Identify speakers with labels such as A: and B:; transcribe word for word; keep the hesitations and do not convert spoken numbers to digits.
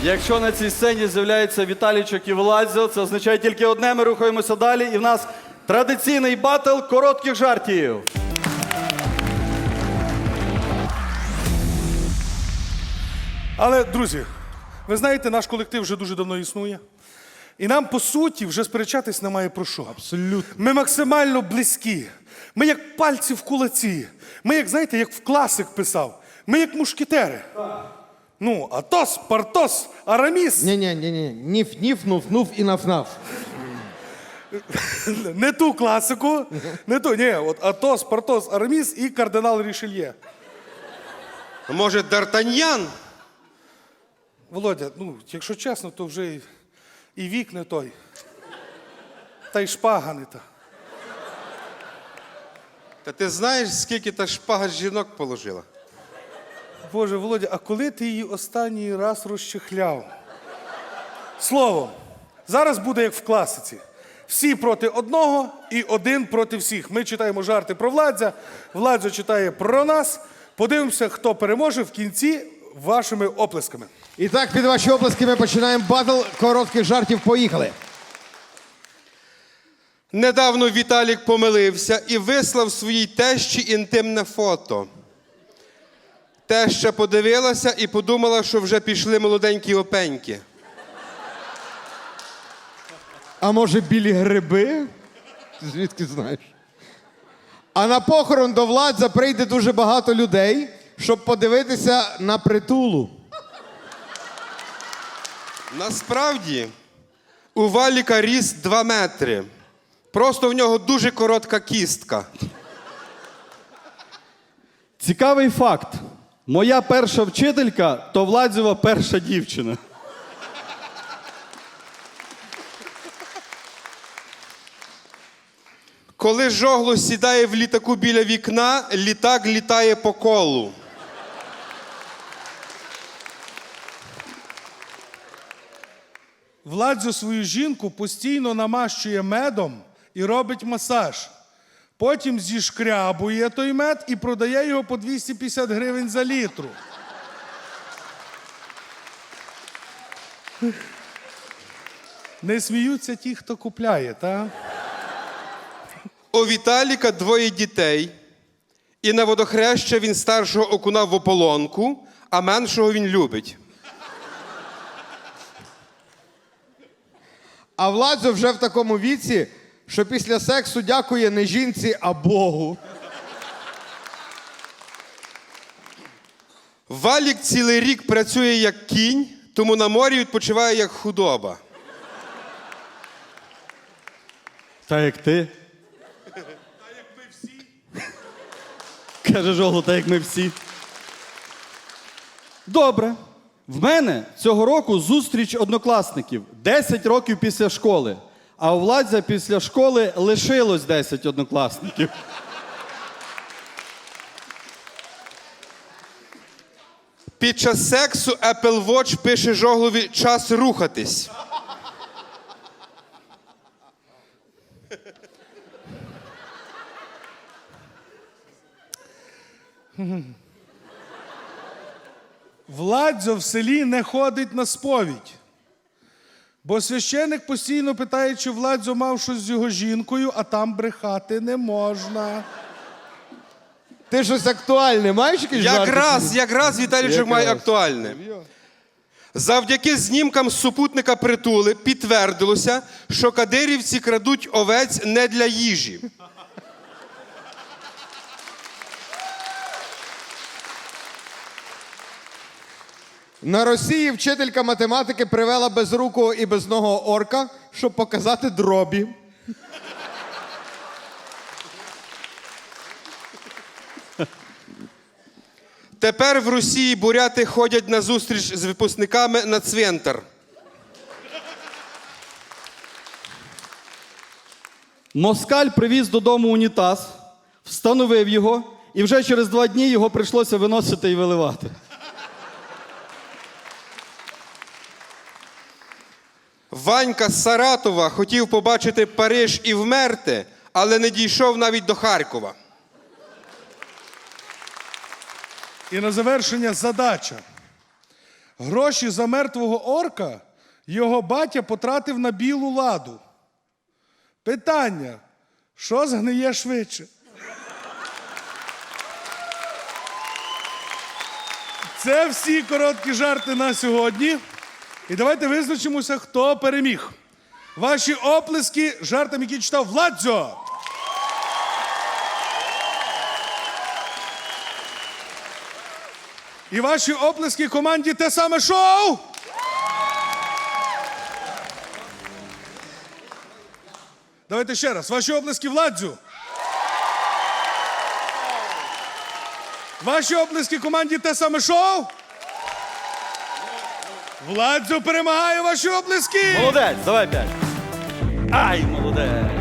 A: Якщо на цій сцені з'являється Віталійчик і Владзо, це означає тільки одне, ми рухаємося далі. І в нас традиційний батл коротких жартів.
B: Але, друзі, ви знаєте, наш колектив вже дуже давно існує. І нам, по суті, вже сперечатись немає про що.
C: Абсолютно.
B: Ми максимально близькі. Ми як пальці в кулаці. Ми, як, знаєте, як в класик писав. Ми як мушкетери. Ну, Атос, Партос, Араміс.
C: Ні-ні-ні, ніф-ніф, нуф-нуф і наф-наф.
B: Не ту класику, не ту. Ні, от Атос, Партос, Араміс і кардинал Рішельє.
D: Може, Д'Артаньян?
B: Володя, ну, якщо чесно, то вже і, і вік не той. Та й шпага не та.
D: Та ти знаєш, скільки та шпага жінок положила?
B: Боже, Володя, а коли ти її останній раз розчехляв? Словом, зараз буде як в класиці. Всі проти одного і один проти всіх. Ми читаємо жарти про Владзя, Владзо читає про нас. Подивимося, хто переможе в кінці вашими оплесками.
C: І так, під ваші оплески ми починаємо батл коротких жартів. Поїхали.
D: Недавно Віталік помилився і вислав своїй тещі інтимне фото. Теща подивилася і подумала, що вже пішли молоденькі опеньки.
C: А може білі гриби? Ти звідки знаєш? А на похорон до Владза прийде дуже багато людей, щоб подивитися на притулу.
D: Насправді, у Валіка ріст два метри. Просто в нього дуже коротка кістка.
A: Цікавий факт. Моя перша вчителька – то Владзєва перша дівчина.
D: Коли Жогло сідає в літаку біля вікна, літак літає по колу.
B: Владзо свою жінку постійно намащує медом і робить масаж. Потім зішкрябує той мед і продає його по двісті п'ятдесят гривень за літру. Не сміються ті, хто купляє, та?
D: У Віталіка двоє дітей, і на водохреща він старшого окунав в ополонку, а меншого він любить.
C: А Владзо вже в такому віці, що після сексу дякує не жінці, а Богу.
D: Валік цілий рік працює як кінь, тому на морі відпочиває як худоба.
A: Та як ти?
B: Та як ми всі.
A: Каже Жогло, та як ми всі. Добре. В мене цього року зустріч однокласників. десять років після школи. А у Владзя після школи лишилось десять однокласників.
D: Під час сексу Apple Watch пише Жоглові «час рухатись».
B: Владзо в селі не ходить на сповідь. Бо священик постійно питає, чи Владзо мав щось з його жінкою, а там брехати не можна.
C: Ти щось актуальне маєш якісь жарти?
D: Якраз, якраз Віталійчик має актуальне. Завдяки знімкам з супутника притули підтвердилося, що кадирівці крадуть овець не для їжі.
C: На Росії вчителька математики привела безрукого і безногого орка, щоб показати дробі.
D: Тепер в Росії буряти ходять на зустріч з випускниками на цвинтар.
A: Москаль привіз додому унітаз, встановив його, і вже через два дні його прийшлося виносити і виливати.
D: Ванька з Саратова хотів побачити Париж і вмерти, але не дійшов навіть до Харкова.
B: І на завершення задача. Гроші за мертвого орка його батя потратив на білу ладу. Питання, що згниє швидше? Це всі короткі жарти на сьогодні. І давайте визначимося, хто переміг. Ваші оплески жартам, які читав Владзо. І ваші оплески команді «Те саме шоу». Давайте ще раз. Ваші оплески Владзю. Ваші оплески команді «Те саме шоу». Владзю перемагає, ваші оплески.
A: Молодець, давай п'ять. Ай, молодець.